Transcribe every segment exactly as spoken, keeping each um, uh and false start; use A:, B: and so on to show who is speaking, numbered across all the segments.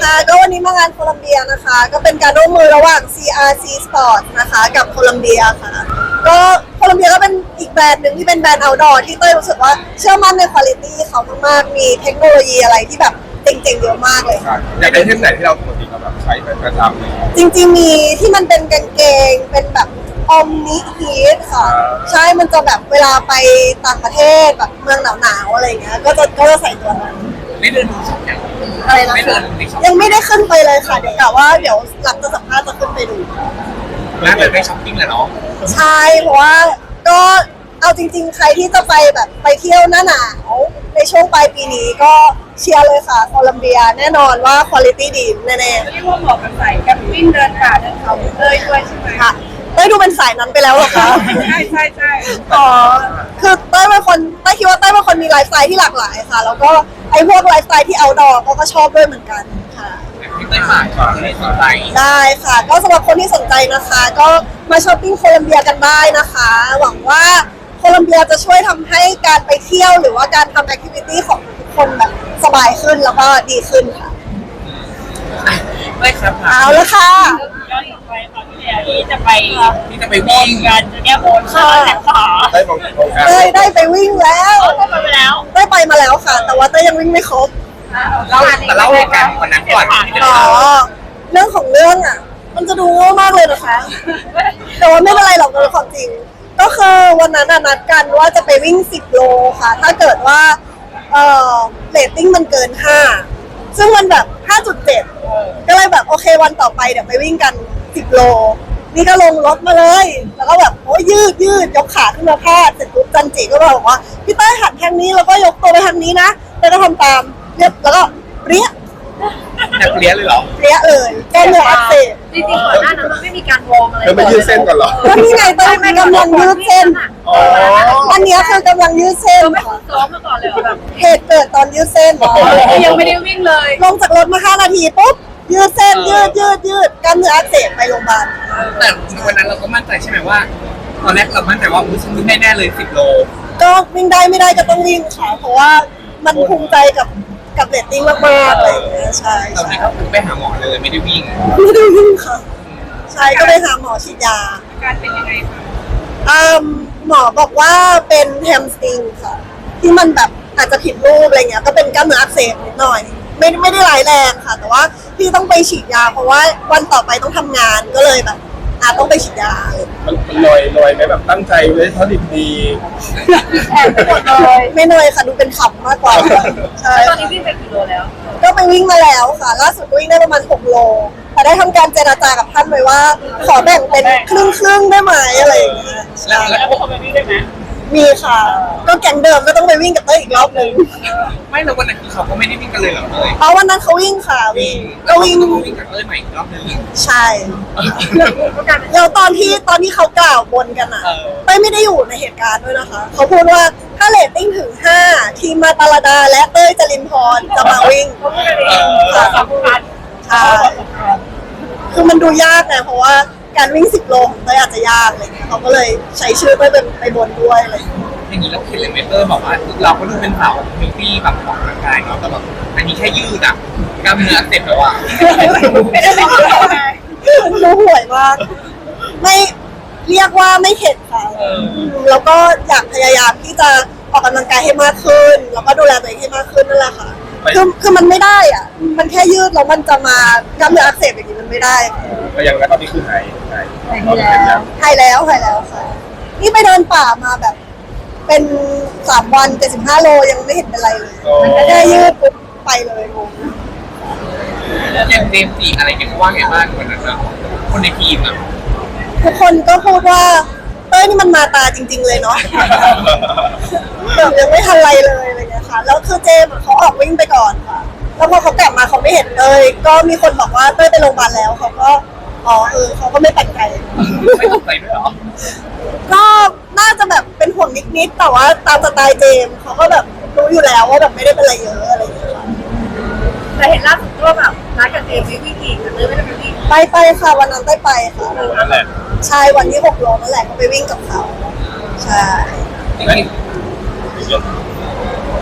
A: ค่ะก็วันนี้มางานโคลัมเบียนะคะก็เป็นการร่วมมือระหว่าง ซี อาร์ ซี Sports นะคะกับโคลัมเบียค่ะก็โคลัมเบียก็เป็นอีกแบรนด์หนึ่งที่เป็นแบรนด์ outdoor ที่เต้ยรู้สึกว่าเชื่อมั่นในคุณภาพเขามากๆมีเทคโนโลยีอะไรที่แบบเจ๋งๆเยอะมากเลยค่ะ
B: อยากได้เทปไหนที่เราปกติเราแบบใช้เป็นประจำเลย
A: จริงๆมีที่มันเป็นกางเกงเป็นแบบอมนิฮีทค่ะใช่มันจะแบบเวลาไปต่างประเทศแบบเมืองหนาวๆอะไรเงี้ยก็จะก็จะใส่ตัวนั้น
B: ไม่เดินดูช็อปอย่าง
A: อะไรนะ
B: ไม่เดิ
A: คะ
B: นในช็อป
A: ยังไม่ได้ขึ้นไปเลยค่ะเดี๋ยวกะว่าเดี๋ยวหลังจากสัมภาษณ์จะขึ้นไปดู
B: น่าจะได้ช้อปปิ้งแหละเนาะ
A: ใช่เพราะว่าก็เอาจริงๆ ใครที่จะไปแบบไปเที่ยวหน้าหนาวในช่วงปลายปีนี้ก็เชียร์เลยค่ะโคลัมเบียแน่นอนว่าคุณภาพดีแน่
C: เรียกว่าเหมาะกับสายแคมปิ้งเดินป่าเดินเขาเลยด้วยใช่ไหม
A: ๆค่ะเต้ยดูเป็นสายนั้นไปแล้วเหรอคะ
C: ใช่ใช่ใช่
A: อ๋อคือเต้ยเป็นคนเต้ยคิดว่าเต้ยเป็นคนมีไลฟ์สไตล์ที่หลากหลายค่ะ แล้วก็ไอ้พวกไลฟ์สไตล์ที่เอาดอก็ก็ชอบด้วยเหมือนกันค่ะ
B: พี่เต้ยฝากก่อนที่สนใจ
A: ได้ค่ะก็สำหรับคนที่สนใจนะคะ ก็มาช้อปปิ้งโคลัมเบียกันได้นะคะ หวังว่าโคลัมเบียจะช่วยทำให้การไปเที่ยวหรือว่าการทำแอคทิวิตี้ของทุกคนแบบสบายขึ้นแล้วก็ดีขึ้นค่ะ
B: เต้ยครับ
A: เอาละค่ะ
C: ย้อนกลับไปตอนที่แล้วที่จะไป
B: ที่จะไปวิ่ง
C: กันจะเนี่ยโอนค่าแถมขา
B: ได้บอกโครงการ
A: เต้ยได้ไปวิ่งแล้ว
C: เข้าไปแล้ว
A: เต้ยไปมาแล้วค่ะ แต่ว่าเต้ยยังวิ่งไม่ครบ
B: เล่าแต่เล่าเหตุการณ์วันนั้นก่อนที่จะ
A: อ๋อเรื่องของเรื่องอ่ะ มันจะดูโง่มากเลยนะคะ แต่ว่าไม่เป็นไรหรอกมันเป็นความจริง ก็คือวันนั้นน่ะนัดกันว่าจะไปวิ่งสิบโลค่ะ ถ้าเกิดว่าเอ่อเรตติ้งมันเกินห้าซึ่งมันแบบ ห้าจุดเจ็ด ก็เลยแบบโอเควันต่อไปเดี๋ยวไปวิ่งกันสิบโล นี่ก็ลงรถมาเลย แล้วก็แบบโอ้ยยืดยืดยกขาขึ้นมาพาดเสร็จปุ๊บจันจิก็บอกว่าพี่เต้ยหันทางนี้แล้วก็ยกตัวไปทางนี้นะแล้วก็ทำตามเรียบแล้วก็เปรี้ย
B: นักเรียนเลยเหรอ
A: เปรี้ยเลยแก้เนื้ออักเสบ
C: จริงๆก่อนหน้านั้นมันไม่มีการวอร์มอะไร
B: เธอไปยืดเส้นก่อนเหรอ
A: ก็นี่ไงเต้ยกำลังยืดเส้น
B: อ๋อ
A: อันเนี้ยคือกำลังยืดเส้น
C: เราไม่ฝึกซ้อมมาก่อนเลยแบบ
A: เหตุเกิดตอนยืดเส้น
C: ยังไม่ได้วิ่งเลย
A: ลงจากรถมาห้านาทีปุ๊บยืดเส้นยืดยืดยืดกล้ามเนื้ออักเสบไปโรงพยาบาล
B: แต่วันนั้นเราก็มั่นใจใช่ไหมว่า ตอนแรกเรามั่นใจว่าอุ้ยฉันวิ่งได้แน่เลยสิบโล
A: ก็วิ่งได้ไม่ได้ก็ต้องวิ่งค่ะเพราะว่ามันภูมิใจกับกับเรตติ้งมากๆอะไรอย่างเงี้ยใช่
B: ตอน
A: ใช่
B: นี้ก็คือไปหาหมอเลยไม่ได้วิ่ง
A: ไม่ได้วิ่งค่ะ ใช่ก็ไปหาหมอฉีดยา
C: การเป็นยังไงคะ
A: อืมหมอบอกว่าเป็นแฮมสตริงค่ะ ที่มันแบบอาจจะผิดรูปอะไรเงี้ยก็เป็นกล้ามเนื้ออักเสบนิดหน่อย ไม่ไม่ได้ร้ายแรงค่ะ แต่ว่าพี่ต้องไปฉีดยา เพราะว่าวันต่อไปต้องทำงานก็เลยแบบอาต้องไปฉีดยาเลย
D: มันลอยลอยไหมแบบตั้งใจไว้เท่าดิบดี
A: แอบไปหมดเลยไม่เหนื่อยค่ะดูเป็นขำมากกว่าใช่
C: ตอนนี้วิ่งไปกี่โลแล้ว
A: ก็ไปวิ่งมาแล้วค่ะ ล่าสุดวิ่งได้ประมาณหกโลแต่ได้ทำการเจรจากับท่านไว้ว่า ขอแบ่งเป็นครึ่งครึ่งๆได้ไหมอะไรอย่างเงี้ยใช่
C: แล้วพวกเขาไปวิ่งได้ไหม
A: มีค่ะ ก็แก๊งเดิมก็ต้องไปวิ่งกับเต้ยอีกรอบหนึ่ง
B: ไม่แล้ววันนั้นคือเขาก็ไม่ได้วิ่งกันเลยเหรอเลย
A: เพราะวันนั้นเขาวิ่งค่ะวิ่งก็วิ่ง
B: ต้องวิ่งกับเลยใหม่อีกรอบนึง
A: ใช่แล้วตอนที่ตอนที่เขากล่าวบนกันอ่ะ
B: เออ
A: เต้ยไม่ได้อยู่ในเหตุการณ์ด้วยนะคะ เขาพูดว่าถ้าเรตติ้งถึงห้าทีมมาตาลาดาและเต้ยจรินพรจะมาวิ่ง
C: เขาพูดกันเองค่ะสำคัญ
A: ใช่ คือมันดูยากไงเพราะว่าการวิ่งสิบโลของเต้ยอาจจะยากอะไรเงี้ยเขาก็เลยใช้ชื่อเต้ยไปไปบนด้วยอะไรอย่างเงี้ย
B: อย่างนี้เราเห็นเลยเมเตอร์บอกว่าเราก็ดูเป็นสาวมิวตี้แบบออกกำลังกายเนาะแต่แบบอันนี้แค่ยืดอ่ะกล้ามเนื้ออักเสร็จแล้วอ่ะ
C: ไม่ได้เป็นคนไง
A: ดูห่วยมาก ไม่เรียกว่าไม่เข็ดค่ะแล้วก็อยากพยายามที่จะออกกำลังกายให้มากขึ้น แล้วก็ดูแลตัวเองให้มากขึ้นนั่นแหละค่ะ คือคือมันไม่ได้อ่ะ มันแค่ยืดแล้วมันจะมากล้ามเนื้ออักเสบอย่างนี้มันไม่ได้ค่ะ
D: ก็ยังแล้วตอนนี้คือหายหายเราเป็นยัง
A: หายแล้วหายแล้วค่ะ นี่ไปเดินป่ามาแบบ เป็นสามวันเจ็ดสิบห้าโลยังไม่เห็นเป็นไรเลย แค่ยืดปุ๊บไปเลยงง
B: อย่างเจมส์จีอะไรเนี่ยเขาว่าไงบ้างวันนั้นนะคนในทีมอ่ะ
A: ทุกคนก็พูดว่าเต้ยนี่มันมาตาจริง ๆ เลยเนาะ แบบยังไม่ทันไรเลยอะไรเงี้ยค่ะ แล้วคือเจมส์อะเขาออกวิ่งไปก่อนค่ะ แล้วพอเขากลับมาเขาไม่เห็นเต้ยก็มีคนบอกว่าเต้ยไปโรงพยาบาลแล้วเขาก็อ๋อเออเขาก็ไม่แปลกใจ
B: ไม่ตกใจด้วยเหรอ
A: ก็น่าจะแบบเป็นห่วงนิดๆแต่ว่าตามสไตล์เจมส์เขาก็แบบรู้อยู่แล้วว่าแบบไม่ได้เป็นอะไรเยอะอะไรอย่างเงี้ยค่ะ
C: แต่เห็นล่าสุดว่าแบบนัดกับเจมส์ไปวิ่งอีกแต่เลยไม่ได้ไปวิ่ง
A: ไปไปค่ะวันนั้นได้ไปค่ะ
D: นั่นแหละ
A: ใช่วันที่หกโลนั่นแหละก็ไปวิ่งกับเขาใช่
B: จริง
D: เยอะ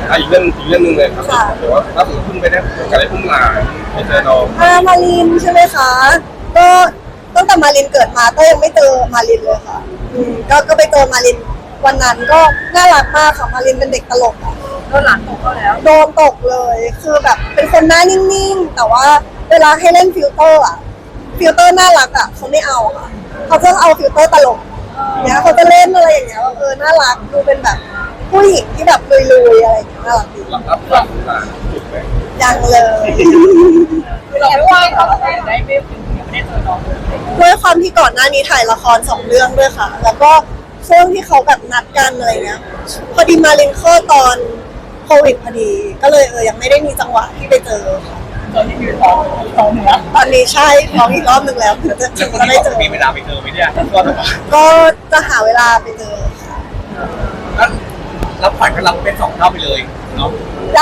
D: อ่ะอีกเรื่องอีกเรื่องหนึงเลยครับ
A: ค่ะ
D: เดี๋ยวว่าล่าสุดเพิ่งไปได้โอกาสได้พุ่งหลานไปเจอน้อง
A: อ่ามารินใช่ไหมคะ ก็ตั้งแต่มารินเกิดมาก็ยังไม่เจอมารินเลยค่ะอืมก็ก็ไปเจอมารินวันนั้นก็น่ารักมากค่ะมารินเป็นเด็กตลกอะ
C: โดนหลานตกเขาแล้ว
A: โดนตกเลย คือแบบเป็นคนหน้านิ่งๆ แต่ว่าเวลาให้เล่นฟิลเตอร์อะฟิลเตอร์น่ารักอะเขาไม่เอาค่ะเขาจะเอาฟิลเตอร์ตลกเนี่ยเขาจะเล่นอะไรอย่างเงี้ยว่าเออน่ารักดูเป็นแบบผู้หญิงที่แบบลุยๆอะไรอย่างเงี้ยน่ารักดี
D: รับรับรับหลานถูกไหม
A: ยังเลย
C: คือเราไม่ว่าเขาได้ได้ไม่ยังไม่ได้เจอน้องเลย
A: ด้วยความที่ก่อนหน้านี้ถ่ายละครสองเรื่องด้วยค่ะ แล้วก็ช่วงที่เขาแบบนัดกันอะไรเงี้ย พอดีมาเรียนข้อดตอนโควิดพอดี ก็เลยเออยังไม่ได้มีจังหวะที่ไปเจอค่ะ
C: ตอนที่มีท้องท้องเหนือ
A: ตอนนี้ใช่ท้องอีกรอบหนึ่งแล้วถึงจะถึ
B: แล้ว
A: ง
B: คน
A: จะ
B: ที่
A: ได้
B: บอก
A: เจอ
B: มีเวลาไปเจอไหมเนี่ยก็แบบว่า
A: ก็จะหาเวลาไปเจอค่ะ
B: แล้วแล้วขวัญก็รับเป็นสองเท่าไปเลยเนาะ
A: ได้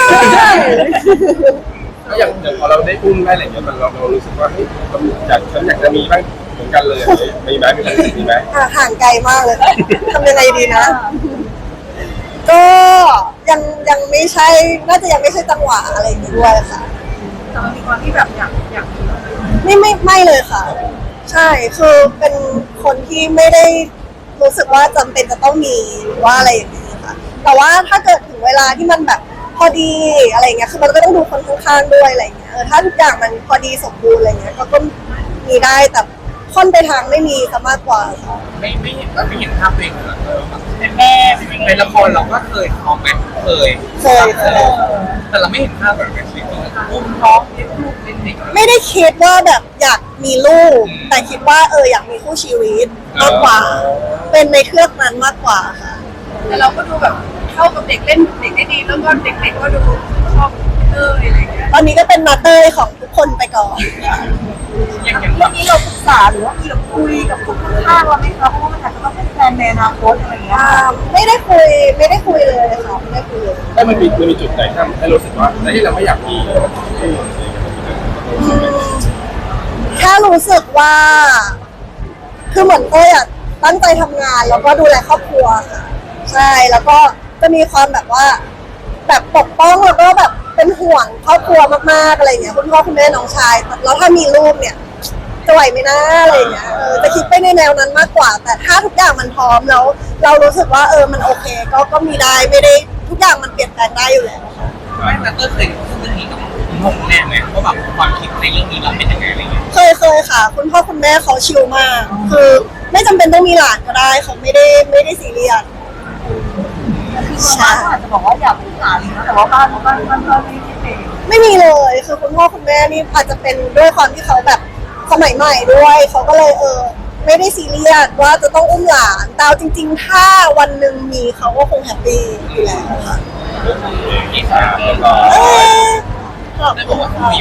D: ก็อย่างอย่างพอเราได้อุ้มได้อะไรอย่างเงี้ยมันเราเรารู้สึกว่าเฮ้ยเราอยากฉันอยากจะมีบ้างเหมือนกันเลยอะไรอย่างเงี้ยมีไหมมีความรู้สึกมีไหม
A: อ่ะห่างไกลมากเลยทำยังไงดีนะ ก็ยังยังไม่ใช่น่าจะยังไม่ใช่จังหวะอะไรอย่างงี้ด้วยค่ะ
C: แต่มันมีความที่แบบอยากอยากมี
A: ไม่ไม่ไม่เลยค่ะ ใช่คือเป็นคนที่ไม่ได้รู้สึกว่าจำเป็นจะต้องมีหรือว่าอะไรอย่างนี้ค่ะ แต่ว่าถ้าเกิดถึงเวลาที่มันแบบพอดีอะไรเงี้ยคือมันก็ต้องดูคนข้างๆด้วยอะไรเงี้ยเออถ้าทุกอย่างมันพอดีสมบูรณ์อะไรเงี้ยก็ก็มีได้แต่ค่อนไปทางไม่มีซะมากกว่าค่ะ
B: ไม่ไม่เห็นไม่เห็นภาพตัวเองเหรอเออแบบ
C: เป็นแม่เป็นยังไง
B: ในละครเราก็เคยท้องไหมเคย
A: เคยเคย
B: แต่เราไม่เห็นภาพแบบเป็นชีวิตจริงอุ้มท้องเลี้ยงลูกเลี้ยงเด็กอะไร
A: ไม่ได้คิดว่าแบบอยากมีลูก
B: อืม
A: แต่คิดว่าเอออยากมีคู่ชีวิตมากกว่า เป็นในเครื่องนั้นมากกว่าค่ะ
C: แต่เราก็ดูแบบเข้ากับเด็กเล่นเด็กได้ดีแล้วก็เด็กๆก็ดูชอบเอออะไรอย่างเงี้ย
A: ตอนนี้ก็เป็นมาเตอร์ของทุกคนไปก่อน
B: อย่างอย่าง
C: เรื่องนี้เราปรึกษาหรือว่ามีแบบคุยกับคนข้างๆเราไหมคะเพราะว่ามันอาจจะต้องเป็นแฟนในอนาคตอะไรอย่างเงี้ย
A: อ่าไม่ได้คุยไม่ได้คุยเลยค่ะไม่ได้คุยเลย
D: ถ้ามันมีมันมีจุดไหนที่ทำให้รู้สึกว่าเฮ้ยเราไม่อยากมี
A: อืมแค่รู้สึกว่า คือเหมือนเต้ยอะตั้งใจทำงานแล้วก็ดูแลครอบครัวค่ะใช่แล้วก็จะมีความแบบว่า แบบปกป้องแล้วก็แบบเป็นห่วงครอบครัวมากๆอะไรเงี้ยคุณพ่อคุณแม่น้องชายแล้วถ้ามีลูกเนี่ยจะไหวไหมนะอะไรเงี้ยเออจะคิดไปในแนวนั้นมากกว่า แต่ถ้าทุกอย่างมันพร้อมแล้ว เรารู้สึกว่าเออมันโอเค ก็ก็มีได้ไม่ได้ทุกอย่างมันเปลี่ยนแปลงได้อยู่แล้ว
B: ไม่แต่ก็เคยพูดเรื่องนี้กับคุณพ่อคุณแม่ไหมว่าแบบความคิดในเรื่องนี้เราเป็นยังไงอะไรเงี้ย
A: เคยเคยค่ะ คุณพ่อคุณแม่เขาชิลมาก คือไม่จำเป็นต้องมีหลานก็ได้เขาไม่ได้ไม่ได้ซีเรียส
C: คือบ้านอาจจะบอกว่าอยากมีหลานนะแต่ว่าบ้านบ้านบ้านก็ไม่คิดเอง
A: ไม่มีเลยคือคุณพ่อคุณแม่นี่อาจจะเป็นด้วยความที่เขาแบบสมัยใหม่ด้วยเขาก็เลยเออ ไม่ได้ซีเรียสว่าจะต้องอุ้มหลานแต่เอาจริง ๆ ถ้าวันหนึ่งมีเขาก็คงแฮปปี้อยู่แล้วค่ะ
B: ยี่สิบ
D: แล้วก็
A: เอ้ยขอบ
B: ได้บ
A: คุ
B: อก
A: ณ
B: ว่า
A: ค่ะ